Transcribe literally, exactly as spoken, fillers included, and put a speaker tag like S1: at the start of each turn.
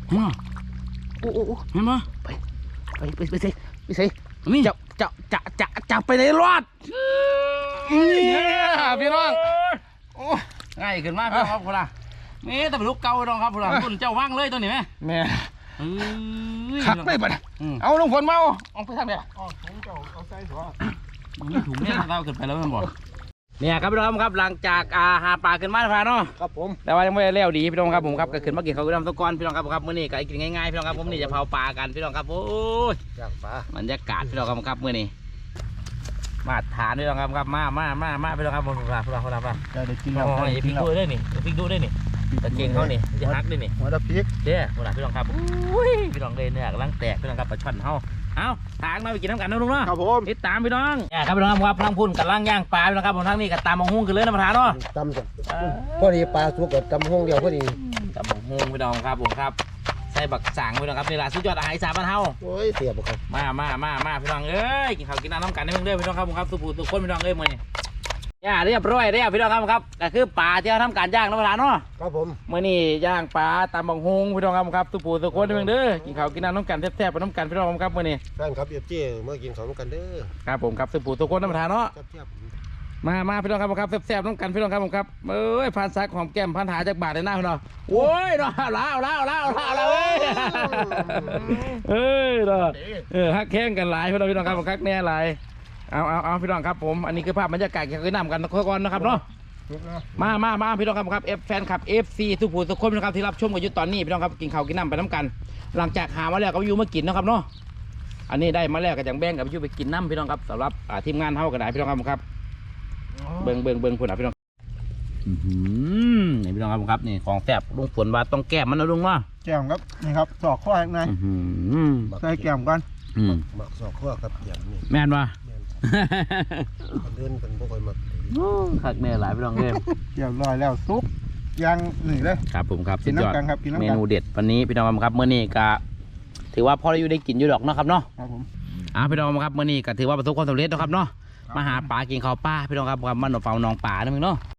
S1: มาโอ้โอ้เห็นไหมไปไปไปไปสิไปสินี่จะจะจะจะจะไปในรอดนี่พี่น้องโอ้ง่ายขึ้นมากพี่น้องครับพวกเรานี่แต่เป็นลูกเก่าน้องครับพวกเราคุณเจ้าว่างเลยตัวนี้ไหมแม่ขักได้ปะเอาลงฝนมาเอาไปทำเนี่ยอ๋อถุงเจ้าเอาใส่หัวนี่ถุงเนี่ยเราเกิดไปแล้วมันบอกเนี่ยครับพี่น้องครับหลังจากอาหาปลาขึ้นมาแล้วเนาะครับผมแต่ว่ายังไม่ได้เลี้ยวดีพี่น้องครับผมครับก็ขึ้นมากินเขาวน้ำตะกอนพี่น้องครับครับมื้อนี้ก็กินง่ายๆพี่น้องครับผมนี่จะเผาปลากันพี่น้องครับโอ้ยย่างปลาบรรยากาศพี่น้องครับครับมื้อนี้มาทานพี่น้องครับครับมามามามาพี่น้องครับผมพวกเราพวกเราพวกเราจะได้กินแล้วพริกดูได้นี่พริกดูได้นี่ตะเกียงเขานี่จะฮักได้นี่หัวตะพริกเด้อพวกเราพี่น้องครับอุ้ยพี่น้องเลยเนี่ยกำลังแตกพี่น้องครับปลาช่อนเขาเอาทางมาไปกินน้ำกันนะลุงเนาะครับผมติดตามพี่น้องเนี่ยครับพี่น้องครับพลังพุ่นกับล่างย่างปลาพี่น้องครับผมทั้งนี้กับตามมองหุ้งกันเลยนะประธานเนาะตำจ้ะพอดีปลาสุกกับตำห้องเดียวพอดีตำมองหุ้งพี่น้องครับผมครับใส่บักสางพี่น้องครับนี่แหละสุดยอดอาหารอีสานบ้านเฮาโอ้ยเสียบครับมามามามาพี่น้องเอ้ยกินข้าวกินน้ำน้ำกันได้เพิ่งเด้อพี่น้องครับผมครับสุภูสุขคนพี่น้องเอ้ยมื้อนี้ย่าเรียบร้อยเรียบพี่น้องครับครับก็คือปลาที่เราทำการย่างนะประธานเนาะครับผมมื้อนี้ย่างปลาตำบักฮงพี่น้องครับครับสุภูสุขคนเพิ่งเด้อกินข้าวกินน้ำน้ำกันแซ่บๆไปน้ำกันพี่น้องครับมื้อนี้แฟนครับเอฟเจเมื่อกินข้าวน้ำกันเด้อครับผมครับสุภูสุขคนนะประธานเนาะมามาพี่น้องครับครับแซ่บๆน้ำกันพี่น้องครับผมครับเอ้ยพันซักหอมแก้มพันหาจากบาทในหน้าพี่น้องโอ้ยเนาะล้าวล้าวล้าวล้าวล้าวเอ้ยเอ้ยเนาะเออฮักแข้งกันหลายพี่น้องพี่น้องครับผมคักแน่หลายเอาเอาเอาพี่น้องครับผมอันนี้คือภาพบรรยากาศที่เคยนำกันก่อนนะครับเนาะมามามาพี่น้องครับครับเอฟแฟนคลับเอฟซีทุกผู้ทุกคนนะครับที่รับชมกันอยู่ตอนนี้พี่น้องครับกินข้าวกินน้ำไปน้ำกันหลังจากหามาแล้วก็อยู่มากินนะครับเนาะอันนี้ได้มาแล้วก็จังแบ่งกับอยู่ไปกินน้ำพี่น้องครับสำหรับทีมงานเท่ากันได้พี่น้องครับครับเบิ่งเบิ่งเบิ่งคุณอ่ะพี่น้องนี่พี่น้องครับครับนี่ของแซ่บลุงฝนว่าต้องแก้มมันนะลุงเนาะ
S2: แก้มครับนี่ครับสอกข้อข้างในใส่แก้มกันหมักสอกข้อครับแก้มนี่
S1: แม่นวะ
S2: เดินเป็นพวกคนมา
S1: ขักแน่หลายพี่น้องเอ้ย
S2: เกี่ยวลอยแล้วซุปยังหนึ่งเลย
S1: ครับผมครับ
S2: กินน้ำกันครับกินน้ำกัน
S1: เมนูเด็ดวันนี้พี่น้องครับเมื่อนี้ก็ถือว่าพอได้อยู่ได้กินอยู่ดอกนะครับเนาะ
S2: ครับผม
S1: อ่าพี่น้องครับเมื่อนี้ก็ถือว่าประสบความสำเร็จนะครับเนาะมาหาปลากินข้าวปลาพี่น้องครับมันหนองเฝ้าหนองป่านะมึงเนาะ